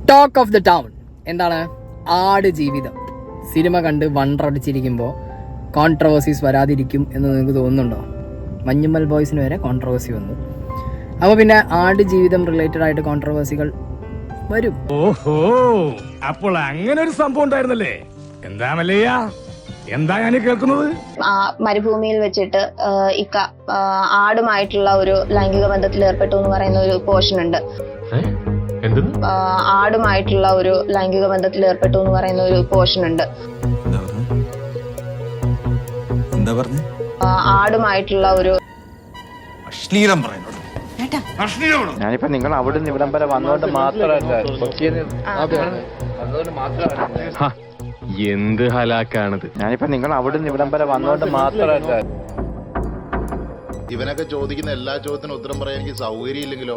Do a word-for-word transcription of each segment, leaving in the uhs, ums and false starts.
Talk of the town എന്താണ്? ആട് ജീവിതം സിനിമ കണ്ട് വണ്ടടിച്ചിരിക്കുമ്പോൾ കോൺട്രവേഴ്സീസ് വരാതിരിക്കും എന്ന് നിങ്ങൾക്ക് തോന്നുന്നുണ്ടോ? മഞ്ഞുമ്മൽ ബോയ്സിന് വരെ കോൺട്രവേഴ്സി വന്നു. അപ്പോൾ പിന്നെ ആട് ജീവിതം റിലേറ്റഡ് ആയിട്ട് കോൺട്രവേഴ്സികൾ വരും. ഓഹോ, അപ്പോൾ അങ്ങനെ ഒരു സംഭവം ഉണ്ടായിരുന്നല്ലേ? എന്താ മല്ലയ്യ, എന്താ ഞാൻ കേൾക്കുന്നത്? മരുഭൂമിയിൽ വെച്ചിട്ട് ഇക്ക ആടുമായിട്ടുള്ള ഒരു ലൈംഗിക ബന്ധത്തിൽ ഏർപ്പെട്ടു എന്ന് പറയുന്ന ഒരു പോർഷൻ ഉണ്ട്. ആടുമായിട്ടുള്ള ഒരു ലൈംഗിക ബന്ധത്തിൽ ഏർപ്പെട്ടു എന്ന് പറയുന്ന ഒരു പോർഷൻ ഉണ്ട്. ആടുമായിട്ടുള്ള ഒരു ഞാനിപ്പോ നിങ്ങൾ അവിടെ നിന്ന് ഇവിടം വരെ വന്നോണ്ട് മാത്രമല്ല, എന്ത് ഹലാക്കാണിത്. ഞാനിപ്പോ നിങ്ങൾ അവിടെ നിന്ന് ഇവിടം വരെ വന്നോണ്ട് മാത്രമല്ല. ഇവനൊക്കെ ചോദിക്കുന്ന എല്ലാ ചോദ്യത്തിനും ഉത്തരം പറയാൻ എനിക്ക് സൗകര്യം ഇല്ലെങ്കിലോ?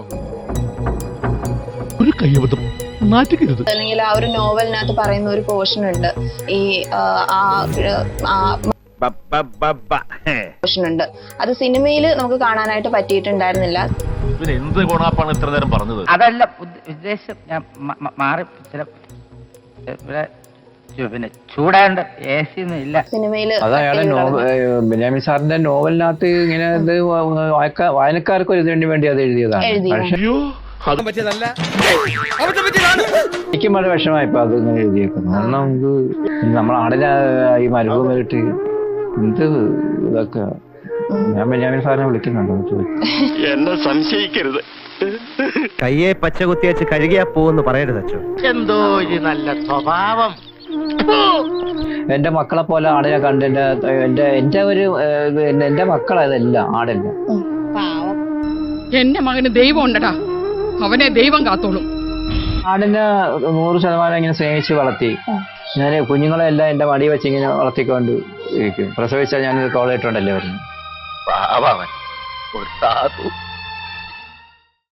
ഒരു കയ്യബദ്ധം നാറ്റിക്കരുത്. അല്ലെങ്കിൽ ആ ഒരു നോവലിനകത്ത് പറയുന്ന ഒരു പോർഷൻ ഉണ്ട്, ഈ പോർഷൻ ഉണ്ട്. അത് സിനിമയിൽ നമുക്ക് കാണാനായിട്ട് പറ്റിയിട്ടുണ്ടായിരുന്നില്ല. എന്ത് ഗുണാപ്പാണ് ഇത്ര നേരം പറഞ്ഞത്? അതല്ല ഉദ്ദേശം, ഞാൻ മാറി ചില പിന്നെ ചൂടാണ്ട് എ സി ഒന്നും ഇല്ല സിനിമയില്. അത് അയാളെ ബെന്യാമിൻ സാറിന്റെ നോവലിനകത്ത് ഇങ്ങനെ ഇത് വായനക്കാർക്ക് ഒരു ഇതിനു വേണ്ടി അത് എഴുതിയതാണ്. എനിക്കും വളരെ വിഷമായിപ്പോ അത് ഇങ്ങനെ എഴുതിയേക്കുന്നു. കാരണം നമുക്ക് നമ്മൾ ആടിനെ ഈ മരുഭൂമിയിട്ട് എന്ത് ഇതൊക്കെ. ഞാൻ ബെന്യാമിൻ സാറിനെ വിളിക്കുന്നുണ്ടോ ചോദിച്ചു. എന്നെ സംശയിക്കരുത്. കയ്യെ പച്ച കുത്തിയച്ച് കഴുകിയാ പോവെന്ന് പറയരുത് അച്ഛൻ. എന്തോ ഒരു നല്ല സ്വഭാവം. എന്റെ മക്കളെ പോലെ ആടിനെ കണ്ട് എന്റെ എന്റെ എന്റെ ഒരു എന്റെ മക്കളതെല്ലാം ആടല്ല. എന്റെ മകന് ദൈവം ഉണ്ടടാ, അവനെ ദൈവം കാത്തോളും. ആടിനെ നൂറ് ശതമാനം ഇങ്ങനെ സ്നേഹിച്ച് വളർത്തി. ഞാൻ കുഞ്ഞുങ്ങളെ എല്ലാം എന്റെ മടി വെച്ച് ഇങ്ങനെ വളർത്തിക്കൊണ്ട് ഇരിക്കും. പ്രസവിച്ചാൽ ഞാൻ കോളേറ്റുണ്ടല്ലേ പറഞ്ഞു. ഒരു സാധു